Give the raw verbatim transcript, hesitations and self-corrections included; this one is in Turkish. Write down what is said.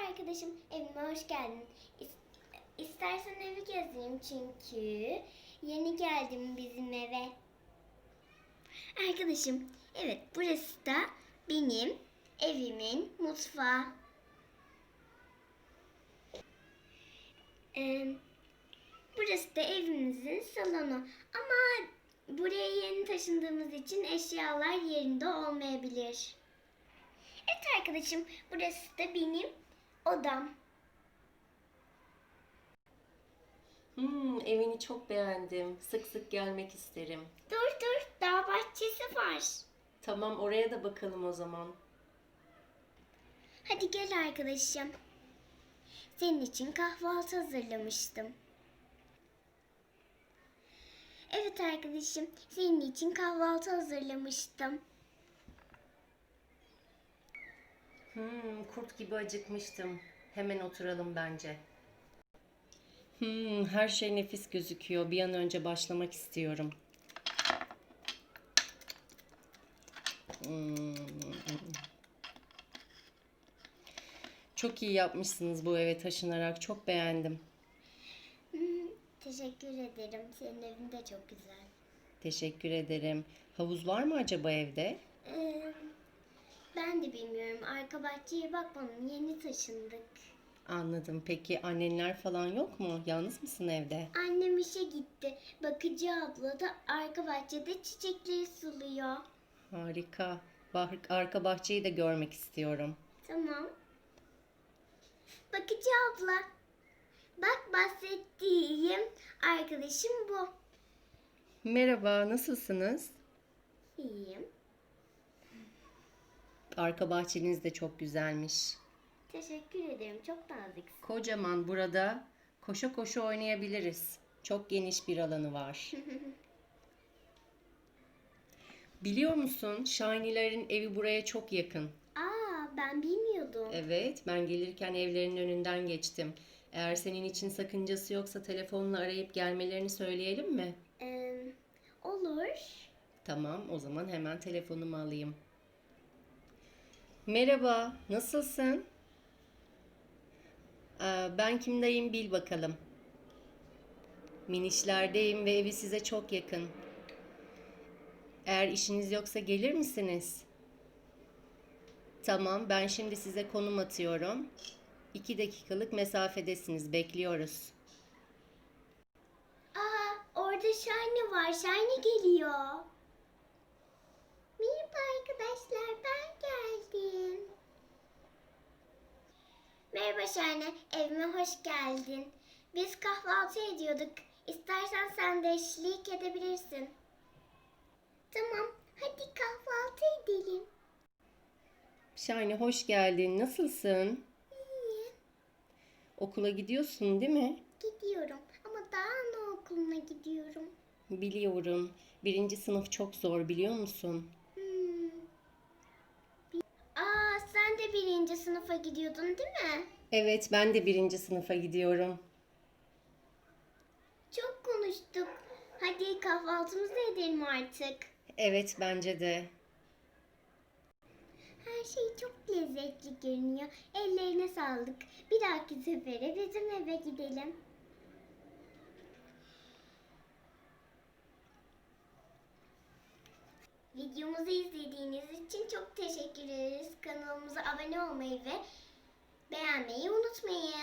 arkadaşım, evime hoş geldin. İs- İstersen evi gezeyim çünkü yeni geldim bizim eve. Arkadaşım, evet burası da benim evimin mutfağı. Ee, burası da evimizin salonu. Ama buraya yeni taşındığımız için eşyalar yerinde olmayabilir. Evet arkadaşım, burası da benim odam. Hmm, evini çok beğendim. Sık sık gelmek isterim. Dur dur, daha bahçesi var. Tamam, oraya da bakalım o zaman. Hadi gel arkadaşım. Senin için kahvaltı hazırlamıştım. Evet arkadaşım, senin için kahvaltı hazırlamıştım. Hmm, kurt gibi acıkmıştım. Hemen oturalım bence. Hmm, her şey nefis gözüküyor. Bir an önce başlamak istiyorum. Hmm. Çok iyi yapmışsınız bu eve taşınarak. Çok beğendim. Teşekkür ederim. Senin evin de çok güzel. Teşekkür ederim. Havuz var mı acaba evde? Ee, ben de bilmiyorum. Arka bahçeye bakmadım. Yeni taşındık. Anladım. Peki annenler falan yok mu? Yalnız mısın evde? Annem işe gitti. Bakıcı abla da arka bahçede çiçekleri suluyor. Harika. Bah- Arka bahçeyi de görmek istiyorum. Tamam. Bakıcı abla. Bak bahsettiğim arkadaşım bu. Merhaba, nasılsınız? İyiyim. Arka bahçeniz de çok güzelmiş. Teşekkür ederim. Çok naziksin. Kocaman, burada koşa koşa oynayabiliriz. Çok geniş bir alanı var. Biliyor musun, Shiny'lerin evi buraya çok yakın. Aa, ben bilmiyordum. Evet, ben gelirken evlerinin önünden geçtim. Eğer senin için sakıncası yoksa telefonla arayıp gelmelerini söyleyelim mi? Ee, olur. Tamam, o zaman hemen telefonumu alayım. Merhaba, nasılsın? Ee, ben kimdeyim bil bakalım. Minişlerdeyim ve evi size çok yakın. Eğer işiniz yoksa gelir misiniz? Tamam, ben şimdi size konum atıyorum. İki dakikalık mesafedesiniz, bekliyoruz. Aa, orada Shiny var. Shiny geliyor. Merhaba arkadaşlar, ben geldim. Merhaba Shiny, evime hoş geldin. Biz kahvaltı ediyorduk. İstersen sen de eşlik edebilirsin. Tamam, hadi kahvaltı edelim. Shiny hoş geldin, nasılsın? İyi, Okula gidiyorsun değil mi? gidiyorum ama daha anaokuluna gidiyorum. Biliyorum. Birinci sınıf çok zor biliyor musun? Hmm. Aa, sen de birinci sınıfa gidiyordun değil mi? Evet, ben de birinci sınıfa gidiyorum. Çok konuştuk. Hadi kahvaltımızı edelim artık. Evet, bence de. Her şey çok lezzetli görünüyor. Ellerine sağlık. Bir dahaki sefere bizim eve gidelim. Videomuzu izlediğiniz için çok teşekkür ederiz. Kanalımıza abone olmayı ve beğenmeyi unutmayın.